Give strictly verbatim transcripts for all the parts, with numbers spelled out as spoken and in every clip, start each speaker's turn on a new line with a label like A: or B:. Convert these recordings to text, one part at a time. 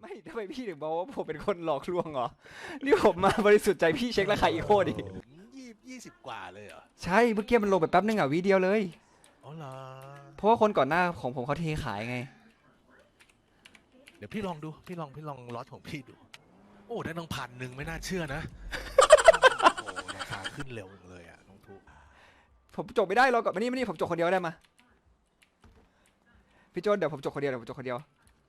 A: ไม่ทำไมพี่ถึงบอกว่าผมเป็นคนหลอกลวงเหรอนี่ผมมาบริสุทธิ์ใจพี่เช็คราคาอีโคดิ
B: ยี่ยี่สิบกว่าเลยเหรอ
A: ใช่เมื่อกี้มันลงไปแป๊บนึงอ่ะวิเดียวเลย
B: อ๋อเหรอ
A: เพราะว่าคนก่อนหน้าของผมเขาเทขายไง
B: เดี๋ยวพี่ลองดูพี่ลองพี่ลองล็อตของพี่ดูโอ้ได้ตั้งพันหนึ่งไม่น่าเชื่อนะโอ้ราคาขึ้นเร็วเลยอ่ะน้องทุก
A: ผมจบไม่ได้รอก่อนมานี่มานี่ผมจบคนเดียวได้มาพี่โจนเดี๋ยวผมจบคนเดียวเดี๋ยวผมจบคนเดียว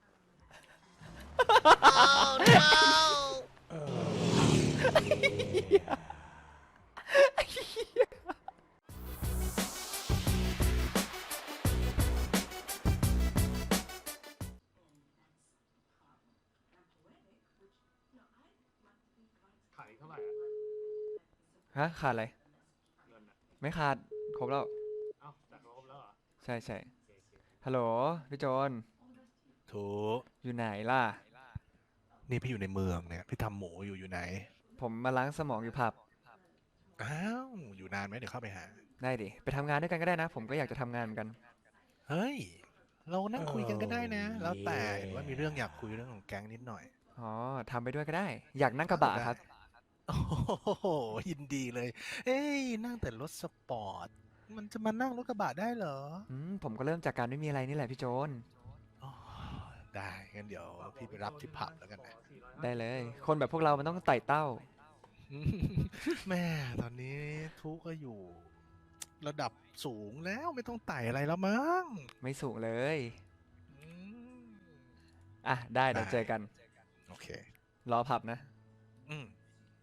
C: ขายเท่าไหร่อะ
A: ฮะขาดอะไร
C: เงินอะ
A: ไม่ขาดครบแล้ว
C: เอ้าจากครบแล้วเหรอ
A: ใช่ใช่
C: โอเคโอเค
A: ฮัลโหลพี่โจน
B: ถูก
A: อยู่ไหนล่ะ
B: นี่พี่อยู่ในเมืองเนี่ยพี่ทำหมูอยู่อยู่ไหน
A: ผมมาล้างสมองอยู่ผับ
B: อ้าวอยู่นานไหมเดี๋ยวเข้าไปหา
A: ได้ดิไปทำงานด้วยกันก็ได้นะผมก็อยากจะทำงานเหมือนกัน
B: เฮ้ยเรานั่งคุยกันก็ได้นะแล้วแต่เห็นว่ามีเรื่องอยากคุยเรื่องของแก๊งนิดหน่อย
A: อ๋อทำไปด้วยก็ได้อยากนั่งกระบะครับ
B: โอ้โหยินดีเลยเอ้ยนั่งแต่รถสปอร์ตมันจะมานั่งรถกระบะได้เหรอ
A: อืมผมก็เริ่มจากการไม่มีอะไรนี่แหละพี่โจน
B: อ๋อได้งั้นเดี๋ยวพี่ไปรับที่ผับแล้วกันนะ
A: ได้เลยคนแบบพวกเรามันต้องไต่เต้า
B: แม่ตอนนี้ทุกก็อยู่ระดับสูงแล้วไม่ต้องไต่อะไรแล้วมั้ง
A: ไม่สูงเลย
B: อืม
A: อ่ะได้เดี๋ยว
B: ได้
A: เจอกัน
B: โอเค
A: รอผับนะ
B: อืม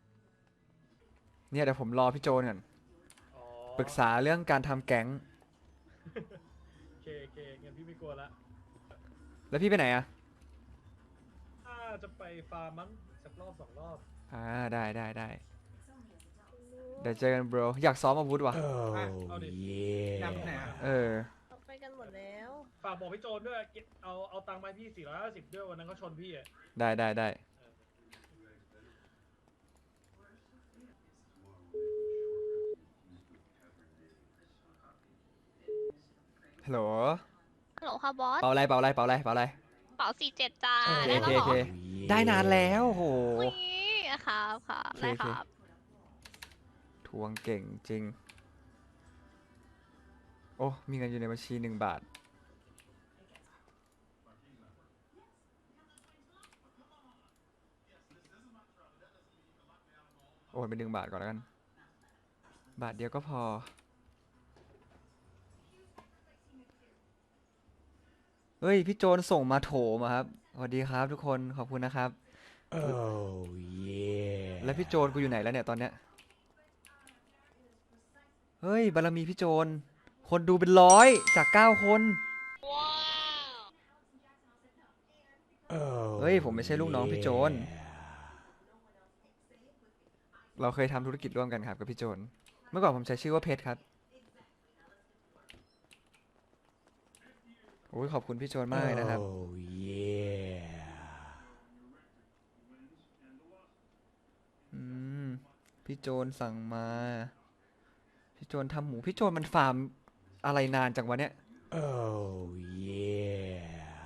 A: เนี่ยเดี๋ยวผมรอพี่โจนก่อน
C: อ๋อ
A: ปรึกษาเรื่องการทำแก๊ง
C: โอเคโอเคงั้นพี่ไม่กลัวละ
A: แล้วพี่ไปไหนอ่ะ
C: ถ้าจะไปฟาร์มมั้งสักรอบสองรอบ
A: อ่าได้ได้ได้เดี๋ยวเจอกัน bro อยากซ้อมอาวุธว่ะ
C: อ่ะเอาดินำไหนอะ
A: เออ
D: เราไปกันหมดแล้ว
C: ฝากบอกพี่โจนด้วยเก็บเอาเอาตังค์มาให้พี่สี่ร้อยห้าสิบด้วยวันนั้นเขาชนพี่อ่ะ
A: ได้ได้ได้ฮัลโหล
D: ฮัลโหลค่ะบอส
A: เป่าอะไรเป่าอะไรเป่าอะไรเป่าอะไร
D: เป๋าสี่เจ็ดจ้า
A: โอเค
D: ได้
A: โอ
D: แล้วเหรอ
A: เคโอเคได้นานแล้วโห
D: อุ้ยครับค่ะ
A: โอเคโอเค
D: ได้ครับ
A: ทวงเก่งจริงโอ้มีเงินอยู่ในบัญชีหนึ่งบาทโอนเป็นหนึ่งบาทก่อนแล้วกันบาทเดียวก็พอเฮ้ยพี่โจนส่งมาโถมาครับสวัสดีครับทุกคนขอบคุณนะครับ
B: oh yeah
A: แล้วพี่โจนกูอยู่ไหนแล้วเนี่ยตอนเนี้ยเฮ้ยบารมีพี่โจนคนดูเป็นร้อยจากเก้าคนเฮ้ยผมไม่ใช่ลูกน้องพี่โจนเราเคยทำธุรกิจร่วมกันครับกับพี่โจนเมื่อก่อนผมใช้ชื่อว่าเพชรครับโอ้ยขอบคุณพี่โจนมากเลยนะครับอืมพี่โจนสั่งมาพี่โจนทำหมูพี่โจนมันฟาร์มอะไรนานจังวะเนี่ย
B: oh yeah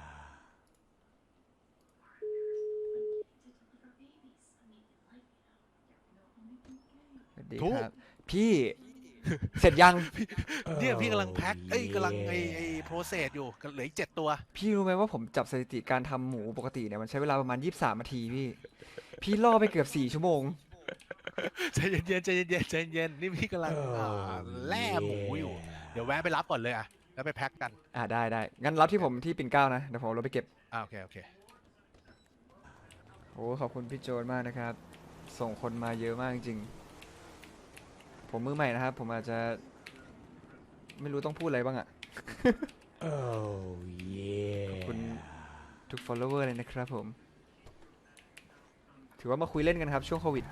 A: สวัสดีครับพี่เสร็จยัง
B: เนี่ยพี่กำลังแพ็คเอ้ยกำลังไอ้ไอ้โปรเซสอยู่เหลืออีกเจ็ดตัว
A: พี่รู้ไหมว่าผมจับสถิติการทำหมูปกติเนี่ยมันใช้เวลาประมาณยี่สิบสามนาทีพี่พี่ล่อไปเกือบสี่ชั่วโมง
B: ใจเย็นๆใจเย็นๆใจเย็นนี่พี่กำลังแล่หมูอยู่เดี๋ยวแวะไปรับก่อนเลยอ่ะแล้วไปแพ็คกัน
A: อ่าได้ได้งั้นรับที่ผมที่ปิ่นเกล้านะเดี๋ยวผมเราไปเก็บ
B: อ่าโอเคโอเค
A: โอ้ขอบคุณพี่โจนมากนะครับส่งคนมาเยอะมากจริงผมมือใหม่นะครับผมอาจจะไม่รู้ต้องพูดอะไรบ้างอะ
B: oh yeah
A: ขอบคุณทุก follower เลยนะครับผมถือว่ามาคุยเล่นกันครับช่วงโควิด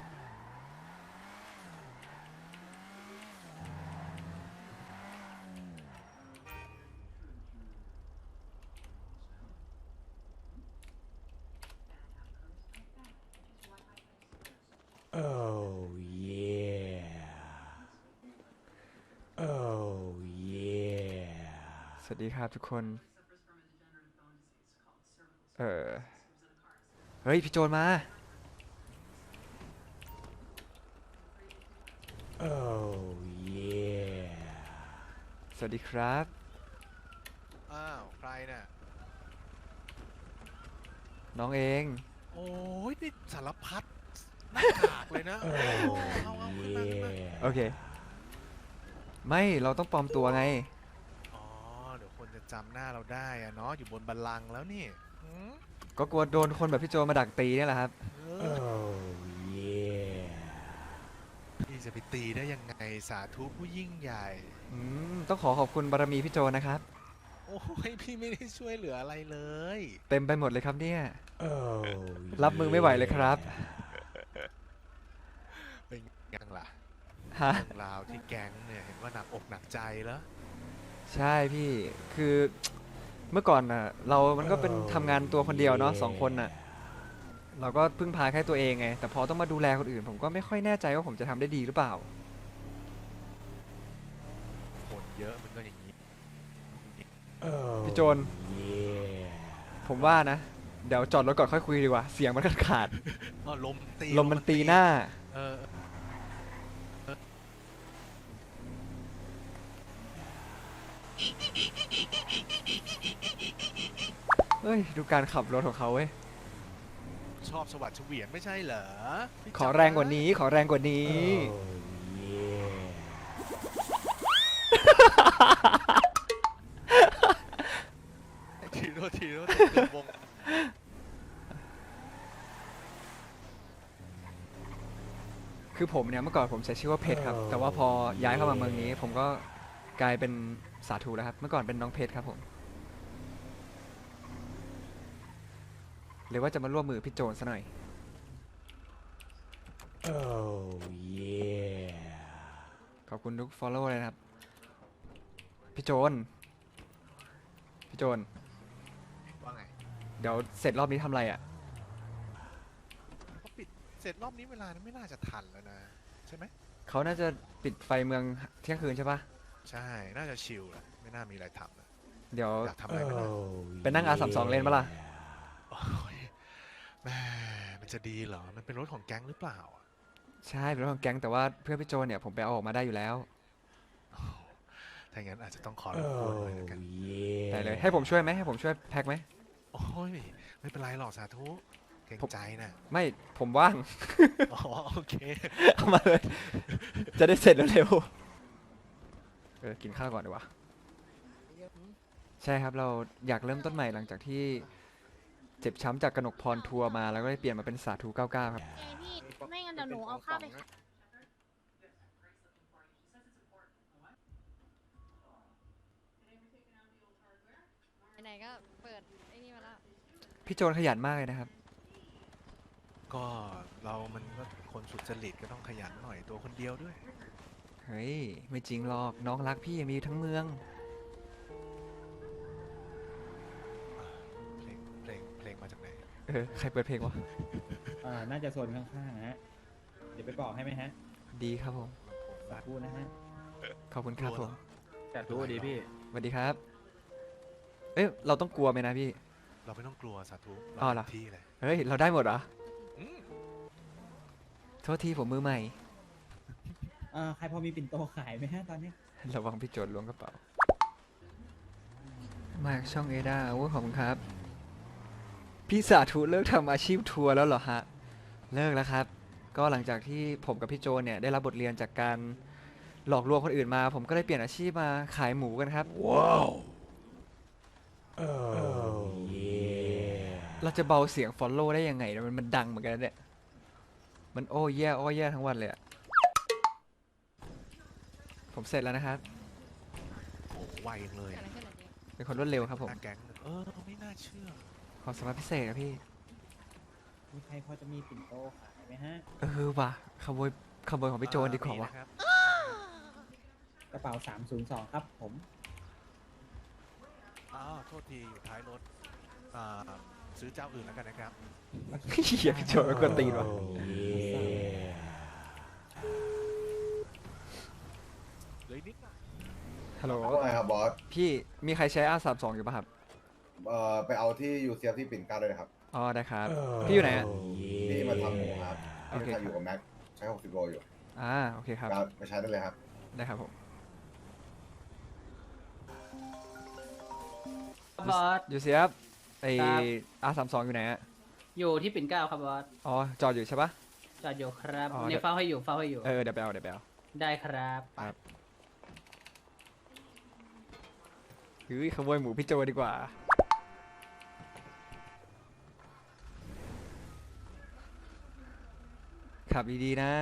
A: สวัสดีครับทุกคนเออเฮ้ยพี่โจนมา สวัสดีครับ
B: อ้าวใครน่ะ
A: น้องเอง
B: โอ้ยนี่สารพัดหน้ากากเลยนะโอ้เอาเอาขึ้นมาขึ้นมา
A: โอเค ไม่เราต้องปลอมตัวไง
B: อ๋อเดี๋ยวคนจะจำหน้าเราได้อะเนาะอยู่บนบัลลังก์แล้วนี่หืม
A: ก็กลัวโดนคนแบบพี่โจมาดักตีเนี่ยแหละครับ
B: เออพี่จะไปตีได้ยังไงสาธุผู้ยิ่งใหญ่
A: อืมต้องขอขอบคุณบารมีพี่โจนะครับ
B: โอ้ยพี่ไม่ได้ช่วยเหลืออะไรเลย
A: เต็มไปหมดเลยครับเนี่ย รับมือไม่ไหวเลยครับ
B: เป็นยังล่ะ
A: ฮะ
B: เรื่องราวที่แก๊งเนี่ยเห็นว่าหนักอกหนักใจแล้ว
A: ใช่พี่ คือเมื่อก่อนน่ะ เรามันก็เป็นทำงานตัวคนเดียวเนาะสองคนน่ะ เราก็พึ่งพาแค่ตัวเองไง แต่พอต้องมาดูแลคนอื่น ผมก็ไม่ค่อยแน่ใจว่าผมจะทำได้ดีหรือเปล่า
B: คนเยอะมันก็อย่างนี้
A: พี่โจน ผมว่านะ เดี๋ยวจอดรถก่อนค่อยคุยดีกว่า เสียงมันขาด
B: อ๋อลมตี
A: ๆลมมันตีหน้า
B: เออ
A: เฮ้ย ดูการขับรถของเขาเว้ย
B: ชอบสวัสดิ์เฉวียนไม่ใช่เหรอพี่
A: ขอแรงกว่านี้ ขอแรงกว่านี้
B: ทีโรทีโรทีเดินวง
A: คือผมเนี่ยเมื่อก่อนผมใช้ชื่อว่าเพชรครับ แต่ว่าพอย้ายเข้ามาเมืองนี้ ผมก็กลายเป็นสาธุแล้วครับ เมื่อก่อนเป็นน้องเพชรครับผมเลยว่าจะมาร่วมมือพี่โจนซะหน่อย ขอบคุณทุก follow เลยนะครับ พี่โจน พี่โจน
B: ว่าไง
A: เดี๋ยวเสร็จรอบนี้ทำอะไรอ่ะ
B: เขาปิดเสร็จรอบนี้เวลานั้นไม่น่าจะทันแล้วนะ ใช่ไหม
A: เขาน่าจะปิดไฟเมืองเที่ยงคืนใช่ปะ
B: ใช่น่าจะชิลแหละไม่น่ามีอะไรทำนะ
A: เดี๋ยว
B: อยากทำอะไรไหมล่ะ
A: ไปนั่ง อาร์ สามสิบสอง เล่นปะล่ะ
B: โอ้ยแม่มันจะดีเหรอมันเป็นรถของแก๊งหรือเปล่า
A: ใช่เป็นเรื่องของแก๊งแต่ว่าเพื่อนพี่โจนเนี่ยผมไปเอาออกมาได้อยู่แล้ว
B: โอ้ถ้าอย่างนั้นอาจจะต้องขอรบกวนหน่อยแล้วกัน
A: ได้เลย ให้ผมช่วยไหมให้ผมช่วยแพ็คไหม
B: โอ้ยไม่เป็นไรหรอกสาธุเกรงใจนะ
A: ไม่ผมว่าง
B: อ๋อโอเค
A: เอามาเลย จะได้เสร็จเร็วๆเออกินข้าวก่อนดีกว่า ใช่ครับเราอยากเริ่มต้นใหม่หลังจากที่เจ็บช้ำจากกนกพรทัวร์มาแล้วก็ได้เปลี่ยนมาเป็นสาธุเก้าเก้าครับ
D: เอ้ยพี่ ไม่งั้นเดี๋ยวหนูเอาข้าวไปขาย
E: ไหนๆก็เปิดไอ้นี่มาแล้ว
A: พี่โจนขยันมากเลยนะครับ
B: ก็เรามันก็คนสุจริตก็ต้องขยันหน่อยตัวคนเดียวด้วย
A: เฮ้ย ไม่จริงหรอกน้องรักพี่ยังมีทั้งเมือง
B: เพลงเพลงเพลงมาจากไหน
A: เออ ใครเปิดเพลงวะ
F: อ่า น่าจะโซนข้างๆนะฮะ เดี๋ยวไปบอกให้ไหมฮะ
A: ดีครับผม
F: สาธุนะฮะ
A: ขอบคุณครับผม
F: สาธุดีพี่
A: สวัสดีครับ เอ๊ะเราต้องกลัวไหมนะพี่
B: เราไม่ต้องกลัวสาธุ
A: อ้าว
B: เรา
A: เหรอ
B: เต็มที่เลย
A: เฮ้ย เราได้หมดเหรอ
B: อืม
A: โทษทีผมมือใหม่
F: อ่า ใครพอมีปิ่นโตขายไหมฮะตอนนี้
A: ระวังพี่โจนล้วงกระเป๋า มาจากช่องเอดาโอ้ยขอบคุณครับ พี่สาธุเลิกทำอาชีพทัวร์แล้วเหรอฮะ เลิกแล้วครับ ก็หลังจากที่ผมกับพี่โจนเนี่ยได้รับบทเรียนจากการหลอกลวงคนอื่นมา ผมก็เลยเปลี่ยนอาชีพมาขายหมูกันครับ ว้าว เราจะเบาเสียง follow ได้ยังไงเนี่ยมันมันดังเหมือนกันนะเนี่ย มันโอ้แย่โอ้แย่ทั้งวันเลยอะผมเสร็จแล้วนะครับ
B: โอ้ไวจังเลย
E: เกิดอะไรขึ้นอ่ะเจ๊
A: เป็นคนรวดเร็วครับผม
B: หน้าแก๊งเออไม่น่าเชื่อ
A: ความสามารถพิเศษครับพี่
F: มีใครพอจะมีปิ่นโตขายไหมฮะ
A: เออว่ะขโมยขโมยของพี่โจนดีกว่าว่ะ
B: มีนะครับ
F: กระเป๋าสามศูนย์สองครับผม
B: อ้าวโทษทีอยู่ท้ายรถอ่าซื้อเจ้าอื่นแล้วกันนะครับ
A: เฮียพี่โจนไม่ควรตีนว่ะ
B: เหลยนิดหน่อย
A: ฮัลโหล
G: ว่าไงครับบอส
A: พี่มีใครใช้ อาร์ สามสิบสอง อยู่ป่ะครับ
G: เอ่อไปเอาที่ยูเซียที่ปิ่นเกล้าด้วยนะครับ
A: อ๋อได้ครับ พี่อยู่ไหนอ่ะ
G: นี่มาทำหมูครับ
A: โอเค
G: พี่ทำอยู่กับแม็กใช้หกสิบโลอยู่
A: อ่าโอเคครับ
G: ครับไปใช้ได้เลยครับ
A: ได้ครับผม
H: บอส
A: อยู่เสียบไอ
H: ครับ
A: อาร์สามสองอยู่ไหนอ่ะ
H: อยู่ที่ปิ่นเกล้าครับบอส
A: อ๋อจอดอยู่ใช่ปะ
H: จอดอยู่ครับ
A: อ๋อ
H: ในเฝ้าให้อยู่เฝ้าให้อยู่
A: เออเดี๋ยวไปเอาเดี๋ยวไปเอา
H: ได้ครับ
A: ครับเฮ้ยขโมยหมูพี่โจดีกว่า ขับดีๆนะ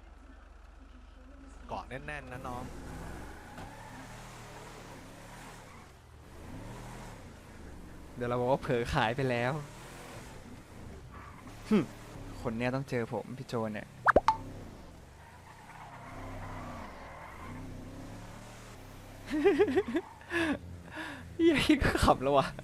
B: เกาะแน่นๆนะน้อง
A: เดี๋ยวเราบอกว่าเผลอขายไปแล้วหึคนเนี้ยต้องเจอผมพี่โจเนี่ย เหี้ยัยก็ขับแล้ววะ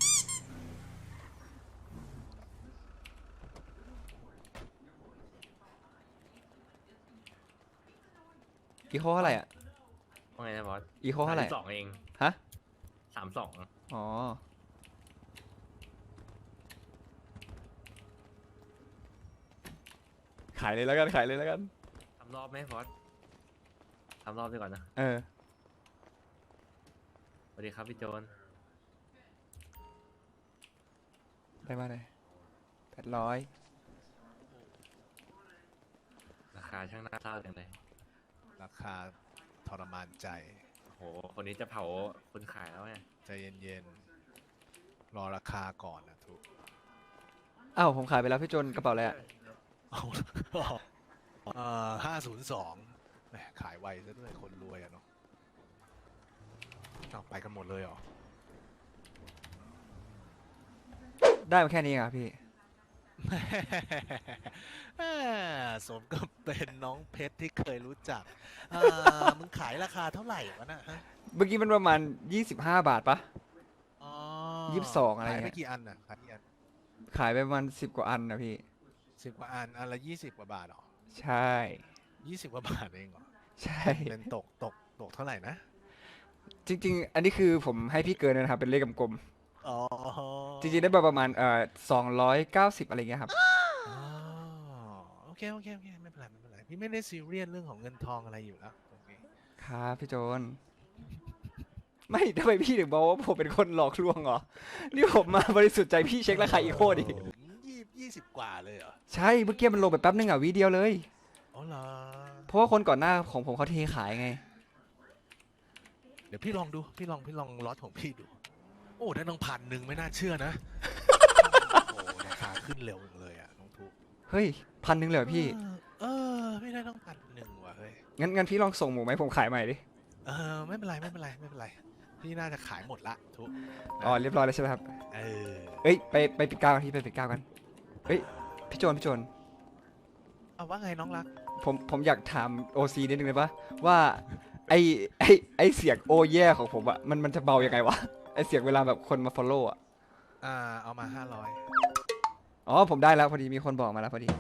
A: อีโคเท่าไหร่อ่ะ
I: ว่าไงนะบอส
A: อีโคเท่าไหร่
I: สองเอง
A: ฮะ
I: สามสอง
A: อ๋อ ขายเลยแล้วกัน ขายเลยแล้วกัน
I: ทำรอบไหมบอสทำรอบดีก่อนนะ
A: เออ
I: สวัสดีครับพี่โจน
A: ได้มาเลยแปดร้อย
I: ราคาช่างน่าเศร้าจังเลย
B: ราคาทรมานใจ
I: โอ้โห คนนี้จะเผาคนขายแล้วไง
B: ใจเย็นๆ รอราคาก่อนนะทุก
A: อ้าว ผมขายไปแล้วพี่โจนกระเป๋าอะไรอะ
B: เอาเอ่อห้าศูนย์สองแหมขายไวซะด้วยคนรวยอะเนาะเอาไปกันหมดเลยเหรอ
A: ได้มาแค่นี้เองเหรอพี่
B: แหม่สมกับเป็นน้องเพชรที่เคยรู้จักอ่ามึงขายราคาเท่าไหร่วะน่ะฮะ
A: เมื่อกี้มันประมาณยี่สิบห้าบาทปะ
B: อ๋อ
A: ยี่สิบสองอะไร
B: ขาย
A: เงี้
B: ไป
A: ย
B: กี่อันน่ะขายกี่อัน
A: ขายไปประมาณสิบกว่าอันนะพี่
B: สิบกว่าอัน อันละยี่สิบกว่าบาทเหรอ
A: ใช่
B: ยี่สิบกว่าบาทเองเหรอ
A: ใช่
B: เป็นตกตกตกเท่าไหร่นะ
A: จริง ๆ อันนี้คือผมให้พี่เกินนะครับ เป็นเลขกลม
B: อ๋อ
A: ๆ จริง ๆ ได้ประมาณเอ่อสองร้อยเก้าสิบอะไรเงี้ยครับ
B: อ๋อโอเคโอเคโอเคไม่เป็นไรไม่เป็นไรพี่ไม่ได้ซีเรียสเรื่องของเงินทองอะไรอยู่แล้วตรงนี้
A: ครับพี่โจน ไม่ทำไมพี่ถึงบอกว่าผมเป็นคนหลอกลวงเหรอ นี่ผมมาบริสุทธิ์ใจพี่เช็คราคาอีโคดิ
B: ยี่ยี่สิบกว่าเลยเหรอ
A: ใช่ เมื่อกี้มันลงไปแป๊บนึงอ่ะวิเดียวเลย
B: อ๋อเหรอ
A: เพราะว่าคนก่อนหน้าของผมเขาเทขายไง
B: เดี๋ยวพี่ลองดูพี่ลองพี่ลองล็อตของพี่ดู โอ้ได้ตั้งพันหนึ่งไม่น่าเชื่อนะ โอ้ราคาขึ้นเร็วจังเลยอ่ะน้องทุก
A: เฮ้ยพันหนึ่งเลยเหรอพี่
B: เออเออไม่ได้ต้องพันหนึ่งว่ะเฮ้ย
A: งั้นงั้นพี่ลองส่งหมูไหมผมขายใหม่ดิ
B: เออไม่เป็นไรไม่เป็นไรไม่เป็นไรพี่น่าจะขายหมดละทุก
A: อ๋อเรียบร้อยแล้วใช่ไหมครับ
B: เออ
A: เอ้ยไปไปปิดก้าวกันที่ไปปิดก้าวกัน เฮ้ยพี่โจนพี่โจน
B: เอาว่าไงน้องรัก
A: ผมผมอยากถามโอซีนิดนึงเลยปะว่าไอไอไอเสียงโอแย่ของผมอะมันมันจะเบายังไงวะ ไอเสียงเวลาแบบคนมา follow อะ
B: อ่าเอามาห้าร้อย
A: อ๋อผมได้แล้วพอดีมีคนบอกมาแล้วพอดี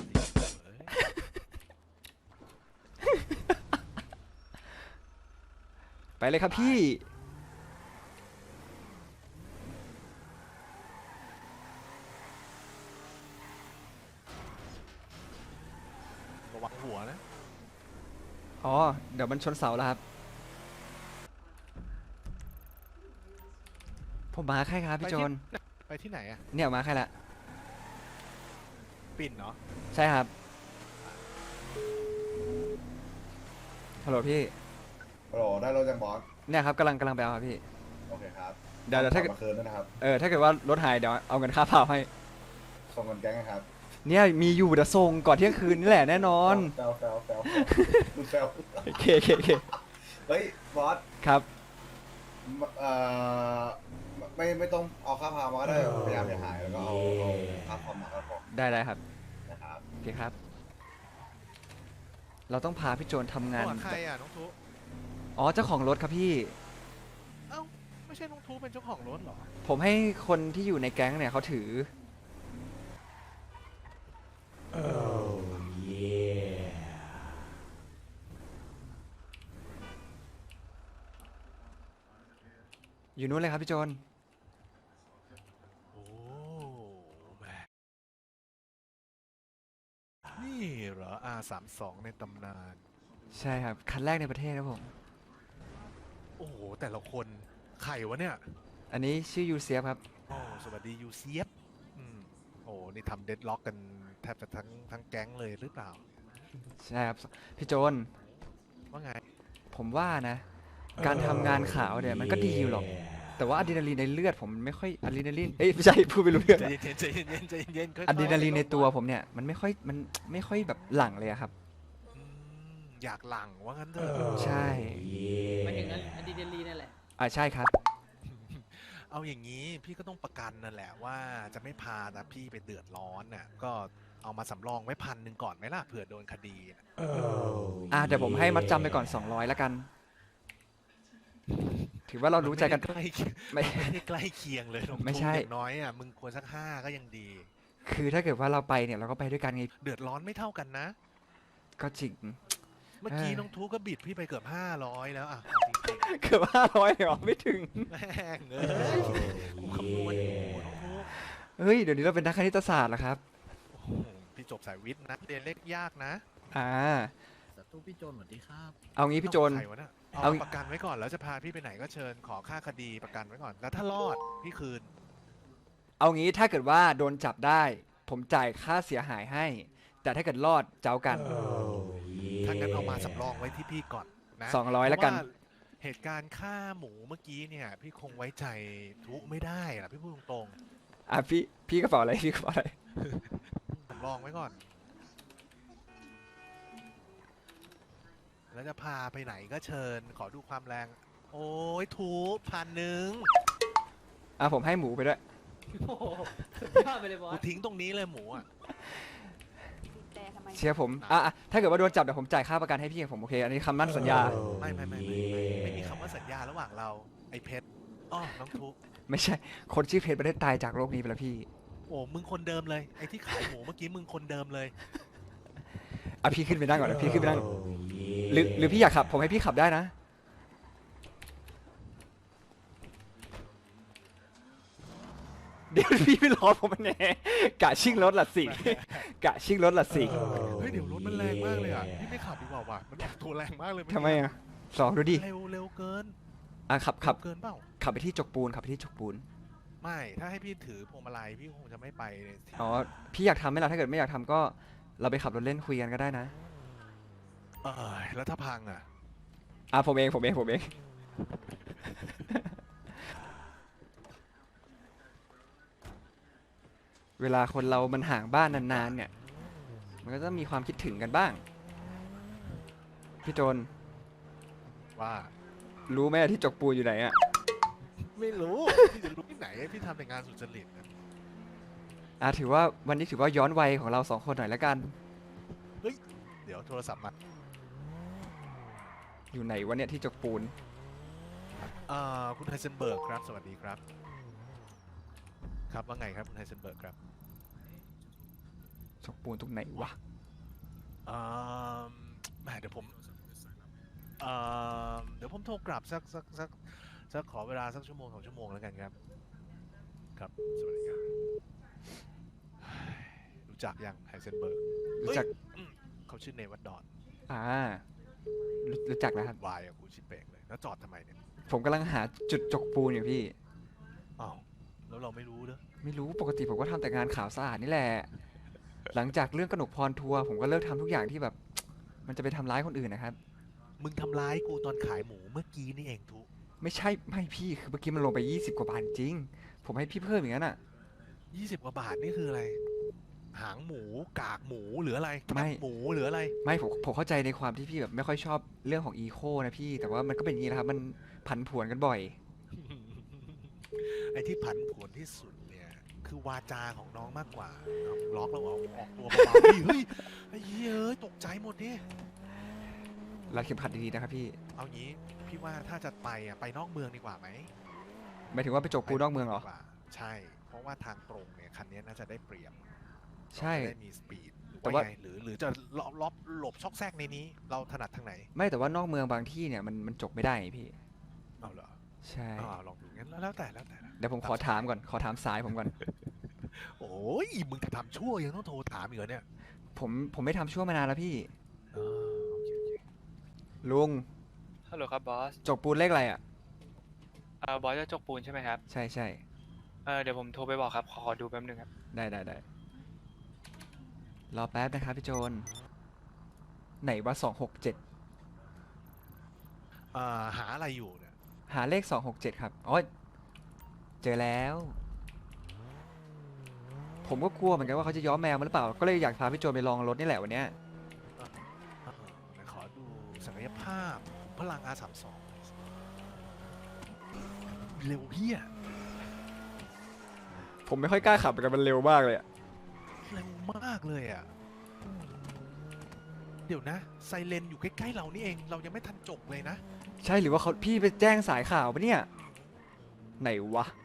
A: ไปเลยครับพี่
B: ระวังหัวนะ
A: อ๋อ เดี๋ยวมันชนเสาแล้วครับ ผมมาแค่ครับพี่โจน
B: ไปที่ไหนอ่ะ
A: เนี่ยมาแค่ละ
B: ปิ่นเนาะ
A: ใช่ครับ ฮัลโหลพี่
G: ฮัลโหลได้รถยังบอส
A: เนี่ยครับกำลังกำลังไปเอาครับพี่
G: โอเคครับ
A: เดี๋ยวเดี๋ยวถ้า
G: เกิ
A: เกิ
G: ด
A: ด
G: มาคืนด้วยนะครับ
A: เออถ้าเกิดว่ารถหายเดี๋ยวเอาเงินค่าเผาให้
G: ส่งเงินแก๊งนะครับ
A: เนี่ยมีอยู่เดี๋ยวส่งก่อนเที่ยงคืนนี่แหละแน่นอน
G: แซวแซวแซวดูแซว
A: โอเคโอเคโอเค
G: เฮ้ยบอส
A: ครับ
G: เอ่อไม่ไม่ต้องเอาค่าพามาก็ได้พยายามอย่าหายแล้วก็เอาเอาค่าพอมาก็พอ
A: ได้ได้ครับ
G: นะครับ
A: โอเคครับ เราต้องพาพี่โจนทำงาน
B: ตัวใครอ่ะน้องทุ
A: อ๋อเจ้าของรถครับพี่
B: เอ้าไม่ใช่น้องทุเป็นเจ้าของรถเหรอ
A: ผมให้คนที่อยู่ในแก๊งเนี่ยเขาถือ อยู่นู้นเลยครับพี่โจน
B: นี่เหรอ อาร์ สามสิบสอง ในตำนาน
A: ใช่ครับ คันแรกในประเทศครับผม
B: โอ้โห แต่ละคนใครวะเนี่ย
A: อันนี้ชื่อยูเซียครับ
B: โอ้สวัสดียูเซียบอืมโอ้นี่ทำเดดล็อกกันแทบจะทั้งทั้งแก๊งเลยหรือเปล่า
A: ใช่ครับ พี่โจน
B: ว่าไง
A: ผมว่านะ การทำงานข่าวเนี่ยมันก็ดีอยู่หรอก แต่ว่าอะดรีนาลีนในเลือดผมมันไม่ค่อยอะดรีนาลีนเอ้ยไม่ใช่พูดไปรู้เรื่อง
B: ใจเย็นๆใจเย็นๆใจเย็นๆค่อยๆ
A: อะดรีนาลีนในตัวผมเนี่ยมันไม่ค่อยมันไม่ค่อยแบบหลั่งเลยอะครับ
B: อืมอยากหลังว่างั้นเถอะ
A: ใช่
H: ไม่ถึงนั้นอะดรีนาลีนนั่นแหละ
A: อ่าใช่ครับ
B: เอาอย่างนี้พี่ก็ต้องประกันนั่นแหละว่าจะไม่พานะพี่ไปเดือดร้อนน่ะก็เอามาสำรองไว้พันหนึ่งก่อนไหมล่ะเผื่อโดนคดีน่ะ
A: อ่าเดี๋ยวผมให้มัดจำไปก่อนสองร้อยแล้วกัน ถือว่าเรารู้ใจกัน
B: ใกล้เคียง
A: ไม่
B: ไม่ได้ใกล้เคียงเลยน้อง
A: ไม่ใช่
B: ตุ๊กอย่างน้อยอ่ะมึงควรสักห้าก็ยังดี
A: คือถ้าเกิดว่าเราไปเนี่ยเราก็ไปด้วยกันไง
B: เดือดร้อนไม่เท่ากันนะ
A: ก็จริง
B: เมื่อกี้
A: เอ้ย
B: น้องทูก็บิดพี่ไปเกือบห้าร้อยแล้วอ่ะเอาจริง
A: เกือบห้าร้อยหรอไม่ถึง
B: ๆแม่งเอ้ยกูคำนวณอยู่น้องทู
A: เฮ้ยเดี๋ยวนี้เราเป็นนักคณิตศาสตร์แล้วครับ
B: โอ้โหพี่จบสายวิทย์นะเรียนเลขยากนะ
A: อ่า
I: ศัตรูพี่โจนสวัสดีครับ
A: เอางี้พี่โจน
B: ใครวะเนี่ยเอา
A: เอา
B: ประกันไว้ก่อนแล้วจะพาพี่ไปไหนก็เชิญขอค่าคดีประกันไว้ก่อนแล้วถ้ารอดพี่คืน
A: เอางี้ถ้าเกิดว่าโดนจับได้ ผมจ่ายค่าเสียหายให้ แต่ถ้าเกิดรอดเจ้ากัน
B: ถ้างั้นเอามาสำรองไว้ที่พี่ก่อนนะ
A: สองร้อยแล้วกัน
B: เพราะาเหตุการณ์ฆ่าหมูเมื่อกี้เนี่ยพี่คงไว้ใจทุกไม่ได้อะพี่พูดตรง
A: อ่ะพี่พี่กระเป๋าอะไรพี่กระเป๋าอะไร
B: ๆสำรองไว้ก่อน แล้วจะพาไปไหนก็เชิญขอดูความแรง โอ้ยทุกพันหนึ่ง
A: อ่ะผมให้หมูไปด้วย
H: โอ้โหสุดยอดไปเลยบอ
B: กู
H: ส
B: ทิ้งตรงนี้เลยหมูอ่ะ
D: แต่ทำไม
A: เชียร์ผมอ่ะอ่ะถ้าเกิดว่าโดนจับเดี๋ยวผมจ่ายค่าประกันให้พี่ผมโอเค อันนี้คำมั่นสัญญา
B: ไม่ไม่ไม่ไม่ไม่ไม่มีคำว่าสัญญาระหว่างเราไอ้เพชรอ้อน้องทุก
A: ไม่ใช่ คนชื่อเพชรไม่ได้ตายจากโลกนี้ไปแล้วพี่
B: โอ้มึงคนเดิมเลยไอ้ที่ขายหมูเมื่อกี้มึงคนเดิมเลย
A: อ่ะพี่ขึ้นไปนั่งก่อนนะพี่ขึ้นไปนั่ง หรือหรือพี่อยากขับ ผมให้พี่ขับได้นะ เดี๋ยวพี่ไม่รอผมแน่กะชิ่งรถละสิ กะชิ่งรถละสิ
B: เฮ้ยเดี๋ยวรถมันแรงมากเลยอ่ะพี่ไม่ขับดีกว่าว่ะมันออกตัวแรงมากเลย
A: ทำไมอ่ะสองดูดิ
B: เร็วเร็วเกิน
A: อ่ะขับขับ
B: เร็วเกินเปล่า
A: ขับไปที่จกปูนขับไปที่จกปูน
B: ไม่ถ้าให้พี่ถือพวงมาลัยพี่คงจะไม่ไปเลย
A: อ๋อ พี่อยากทำไหมล่ะ ถ้าเกิดไม่อยากทำก็เราไปขับรถเล่นคุยกันก็ได้นะ
B: เออแล้วถ้าพังอ่ะ
A: อ่ะผมเองผมเองผมเอง เวลาคนเรามันห่างบ้านนานๆเนี่ย มันก็ต้องมีความคิดถึงกันบ้าง พี่โจน
B: ว่า
A: รู้ไหมที่จกปูนอยู่ไหนอ่ะ
B: ไม่รู้พี่จะรู้ที่ไหนพี่ทำแต่งานสุจริตนะ
A: อ่ะถือว่าวันนี้ถือว่าย้อนวัยของเราสองคนหน่อยแล้วกัน
B: เดี๋ยวโทรศัพท์มา
A: อยู่ไหนวะเนี่ยที่จกปูน
B: เอ่อคุณไฮเซนเบิร์กครับ สวัสดีครับ ครับว่าไงครับคุณไฮเซนเบิร์กครับ
A: จกปูนตรงไหนวะ
B: เอ่อแหมเดี๋ยวผมเอ่อเดี๋ยวผมโทรกลับสักสักสักสักขอเวลาสักชั่วโมงสองชั่วโมงแล้วกันครับ ครับ สวัสดีครับ รู้จักยังไฮเซนเบิร์ก
A: รู้จัก
B: เขาชื่อเนวัดดอน
A: อ่ารู้รู้จักแล้วครับ
B: วายอะกูชิเปกเลย แล้วจอดทำไมเนี่ย
A: ผมกำลังหาจุดจกปูนอยู่พี่
B: อ้าว แล้วเราไม่รู้เนอะ
A: ไม่รู้ปกติผมก็ทำแต่งานข่าวสะอาดนี่แหละ หลังจากเรื่องกนกพรทัวร์ผมก็เลิกทำทุกอย่างที่แบบ มันจะไปทำร้ายคนอื่นนะครับ
B: มึงทำร้ายกูตอนขายหมูเมื่อกี้นี่เองทุ
A: ไม่ใช่ไม่พี่คือเมื่อกี้มันลงไปยี่สิบกว่าบาทจริง ผมให้พี่เพิ่มอย่างนั้นอ่ะ
B: ยี่สิบกว่าบาทนี่คืออะไร หางหมู กากหมูหรืออะไร
A: ไม่
B: แคบหมูหรืออะไร
A: ไม่ผมผมเข้าใจในความที่พี่แบบไม่ค่อยชอบเรื่องของอีโคนะพี่ แต่ว่ามันก็เป็นอย่างนี้นะครับ มันผันผวนกันบ่อย
B: ไอ้ที่ผันผวนที่สุดเนี่ย คือวาจาของน้องมากกว่าน้องล็อกแล้วเอาออกตัวเบาๆเฮ้ยเฮ้ยไอ้เหี้ยเอ้ยตกใจหมดดิ
A: รัดเข็มขัดดีๆนะครับพี่
B: เอางี้พี่ว่าถ้าจะไปอ่ะไปนอกเมืองดีกว่าไหม
A: หมายถึงว่าไปจกปูนนอกเมืองเหรอ
B: ไปดีกว่าใช่ เพราะว่าทางตรงเนี่ยคันนี้น่าจะได้เปรียบ
A: ใช่
B: เราจะได้มีสปีดหรือ
A: แต่
B: ว่า
A: ว่า
B: ไงหรือหรือจะล็อบล็อบหลบช็อกแซกในนี้ เราถนัดทางไหน
A: ไม่แต่ว่านอกเมืองบางที่เนี่ยมันมันจกไม่ได้ไงพี่
B: เอาเหรอ
A: ใช่
B: อ่าลองดูงั้นแล้วแล้วแต่แล้วแต่
A: เดี๋ยวผมขอถามก่อน ขอถามสายผมก่อน
B: โอ้ยมึงจะทำชั่วยังต้องโทรถามอีกเหรอเนี่ย
A: ผมผมไม่ทำชั่วมานานแล้วพี่
B: เออโอเคโอเค
A: ลุง
J: ฮัลโหลครับบอส
A: จกปูนเลขอะไรอ่ะ
J: เอ่อบอสจะจกปูนใช่ไหมครับ
A: ใช่ใช่
J: เออเดี๋ยวผมโทรไปบอกครับ ขอขอดูแป๊บนึงครับ
A: ได้ได้ได้รอแป๊บนะครับพี่โจนไหนว่าสองหกเจ็ด
B: อ่าหาอะไรอยู่เนี่ย
A: หาเลขสองหกเจ็ดครับอ๋อเจอแล้ว ผมก็กลัวเหมือนกันว่าเขาจะย้อมแมวมาหรือเปล่า ก็เลยอยากพาพี่โจนไปลองรถนี่แหละวันเนี้ย
B: อ่าไหนขอดูศักยภาพพลัง อาร์ สามสิบสอง เร็วเฮีย
A: ผมไม่ค่อยกล้าขับเหมือนกันมันเร็วมากเลยอะ
B: เร็วมากเลยอ่ะ เดี๋ยวนะไซเรนอยู่ใกล้ๆเรานี่เองเรายังไม่ทันจบเลยนะ
A: ใช่หรือว่าเขาพี่ไปแจ้งสายข่าวปะเนี่ย ไหนวะ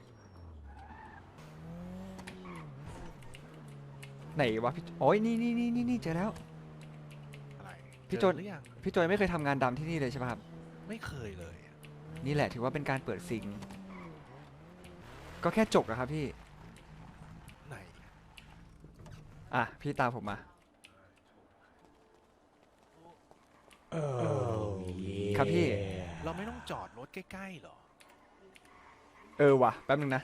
A: ไหนวะพี่โอ้ยนี่นี่นี่นี่นี่เจอแล้ว
B: อะไร
A: พี่
B: เจ
A: โจ
B: อน หรือยัง
A: พี่โจนไม่เคยทำงานดำที่นี่เลยใช่ปะครับ
B: ไม่เคยเลยอะ
A: นี่แหละถือว่าเป็นการเปิดซิง ก็แค่จกอะครับพี่
B: ไหน
A: อ่ะ พี่ตามผมมา ครับพี่
B: เราไม่ต้องจอดรถใกล้ๆหรอ
A: เออว่ะ แป๊บนึงนะ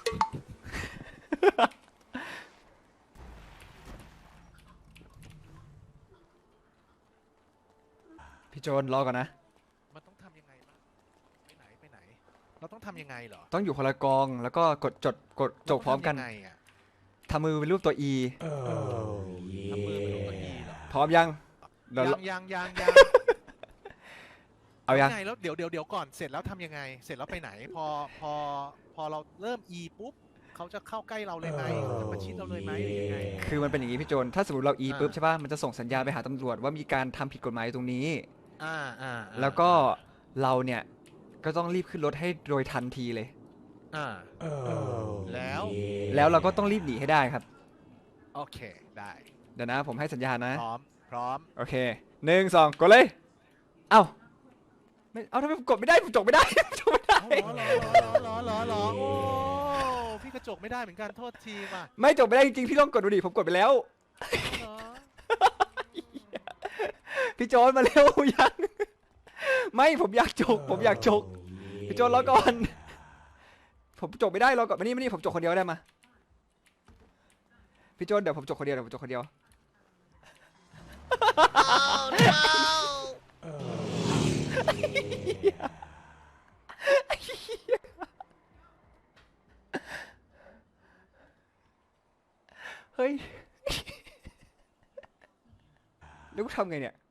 A: พี่โจนรอก่อนนะ
B: มันต้องทำยังไงบ้างไปไหนไปไหน เราต้องทำยังไงเหรอ
A: ต้องอยู่คนละกอง แล้วก็กดจดกดจกพร้อมกัน
B: เาต้งทำยังไงอะ
A: ทำมือเป็นรูปตัว E
B: ทำมือเป็นรูปตัว E เหรอ
A: พร้อมยังเดี๋ยว
B: ยังยังยังยัง
A: เอายัง
B: ทำไงแล้วเดี๋ยวเดี๋ยวเดี๋ยวก่อนเสร็จแล้วทำยังไง เสร็จแล้วไปไหน พอพอพอเราเริ่ม E ปุ๊บเขาจะเข้าใกล้เราเลยไหมเขาจะประชิดเราเลยไหมหรือยังไง
A: คือมันเป็นอย่างนี้พี่โจน ถ้าสมมติเรา E
B: อ่า
A: ปุ๊บใช่ป่ะ มันจะส่งสัญญาณไปหาตำรวจว่ามีการทำผิดกฎหมายตรงนี้
B: อ่าอ่าอ่า
A: แล้วก็เราเนี่ยก็ต้องรีบขึ้นรถให้โดยทันทีเลย
B: อ่าแล้ว
A: แล้วเราก็ต้องรีบหนีให้ได้ครับ
B: โอเคได้
A: เดี๋ยวนะผมให้สัญญาณนะ
B: พร้อมพร้อม
A: โอเคหนึ่งสองกดเลย เอ้าไม่เอาทำไมผมกดไม่ได้ผมจกไม่ได้ ผมจกไม่ได้
B: อ๋อเหรอเหรอเหรอเหรอเหรอโอ้พี่กระจกไม่ได้เหมือนกันโทษทีว่ะ
A: ไม่จกไม่ได้จริงๆพี่ลองกดดูดิผมกดไปแล้ว
B: เหรอ
A: พี่โจนมาเร็ว ยังไม่ผมอยากจก ผมอยากจก พี่โจนรอก่อน ผมจกไม่ได้รอก่อนมานี่มานี่ผมจกคนเดียวได้มาพี่โจนเดี๋ยวผมจกคนเดียวเดี๋ยวผมจกคนเดียว เฮ้ย แล้วกูทำไงเนี่ย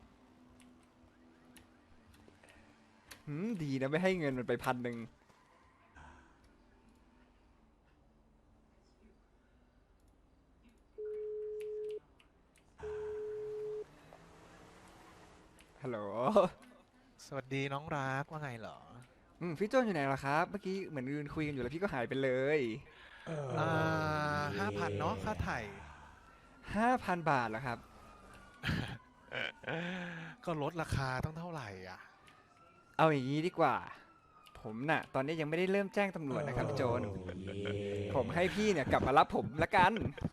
A: หืมดีนะไม่ให้เงินมันไปพันหนึ่งฮัลโหล
B: สวัสดีน้องรักว่าไงเหรอ
A: อืมพี่โจนอยู่ไหนล่ะครับ เมื่อกี้เหมือนยืนคุยกันอยู่แล้วพี่ก็หายไปเลย
B: อ่าห้าพันเนาะค่าไถ่
A: ห้าพันบาทเหรอครับ
B: ก็ลดราคาตั้งเท่าไหร่อ่ะ
A: เอาอย่างนี้ดีกว่า ผมน่ะ ตอนนี้ยังไม่ได้เริ่มแจ้งตำรวจนะครับพี่โจน ผมให้พี่เนี่ยกลับมารับผมละกัน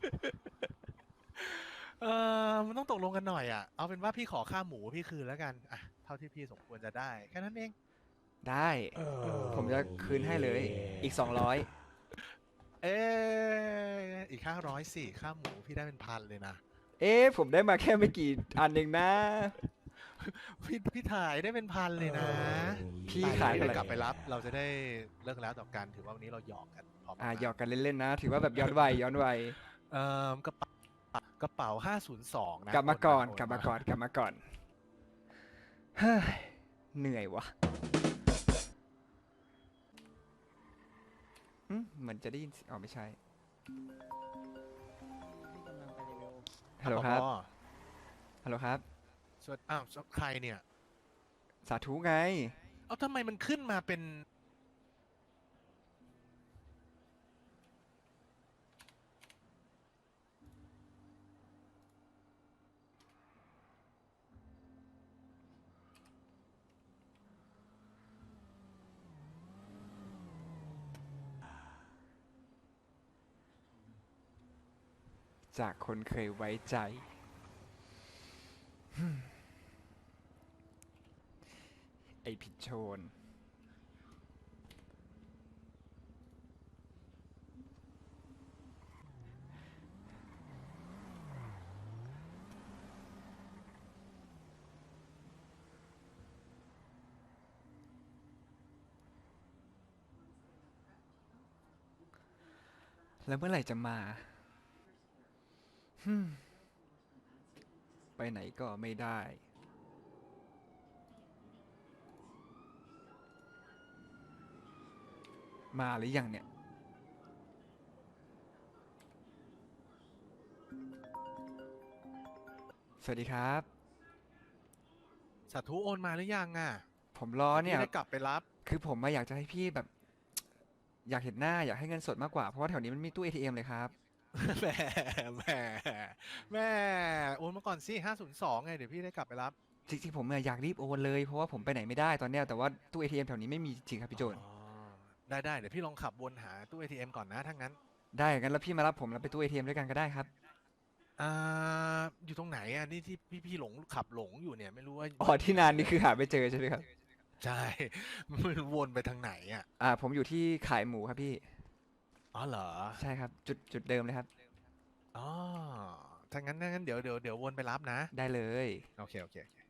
B: เออมันต้องตกลงกันหน่อยอ่ะ เอาเป็นว่าพี่ขอค่าหมูพี่คืนแล้วกัน อ่ะ เท่าที่พี่สมควรจะได้ แค่นั้นเอง
A: ได้ ผมจะคืนให้เลย อีกสองร้อย
B: เอออีกห้าร้อยสี่ค่าหมูพี่ได้เป็นพันเลยนะ
A: เอ๊ะผมได้มาแค่ไม่กี่อันเองนะ
B: พี่พี่ถ่ายได้เป็นพันเลยนะ
A: พี่ขาย
B: ไป
A: เท่าไหร่
B: กลับไปรับ เราจะได้เลิกแล้วต่อกัน ถือว่าวันนี้เราหยอกกันพร้อม
A: อ่า
B: กัน
A: หยอกกันเล่นๆนะ ถือว่าแบบย้อนวัยย้อนวัย
B: เอ่อกระเป๋ากระเป๋าห้าศูนย์สองนะ
A: กลับมาก่อน
B: โ
A: กลับมาก่อน กลับมาก่อน เฮ้ย เหนื่อยวะอืมเหมือนจะได้ยินเสียงอ๋อไม่ใช่ ฮัลโหลครับ
B: อ๋อ
A: ฮัลโหลครับ
B: สวัสดีอ้าวใครเนี่ย
A: สาธุไง
B: เอ้าทำไมมันขึ้นมาเป็น
A: จากคนเคยไว้ใจฮึ่มไอผิดโชน แล้วเมื่อไหร่จะมาฮึ่มไปไหนก็ไม่ได้ มาหรือยังเนี่ย สวัสดีครับ
B: สาธุโอนมาหรือยังอ่ะ
A: ผมรอเนี่ย
B: พี่ได้กลับไปรับ
A: คือผมมาอยากจะให้พี่แบบ อยากเห็นหน้าอยากให้เงินสดมากกว่า เพราะว่าแถวนี้มันมีตู้ เอ ที เอ็ม เลยครับ
B: แหมแหมแหมโอนมาก่อนสิห้าศูนย์สองไงเดี๋ยวพี่ได้กลับไปรับ
A: จริงๆผมเนี่ยอยากรีบโอนเลย เพราะว่าผมไปไหนไม่ได้ตอนเนี้ยแต่ว่าตู้ เอ ที เอ็ม แถวนี้ไม่มีจริงครับพี่โจน
B: อ๋อได้ได้เดี๋ยวพี่ลองขับวนหาตู้ เอ ที เอ็ม ก่อนนะถ้างั้น
A: ได้งั้นแล้วพี่มารับผมแล้วไปตู้ เอ ที เอ็ม ด้วยกันก็ได้ครับ
B: อ่าอยู่ตรงไหนอ่ะนี่ที่พี่พี่หลงขับหลงอยู่เนี่ยไม่รู้ว่า
A: อ๋อที่นานนี่คือหาไม่เจอใช่ไหมครับ
B: ใช่ มันวนไปทางไหนอ่ะ
A: อ่าผมอยู่ที่ขายหมูครับพี่
B: อ๋อเหรอ
A: ใช่ครับ จุดจุดเดิมเลยครับ
B: อ๋อถ้างั้นถ้างั้นเดี๋ยวเดี๋ยวเดี๋ยววนไปรับนะ
A: ได้เลย
B: โอเคโอเคโอเค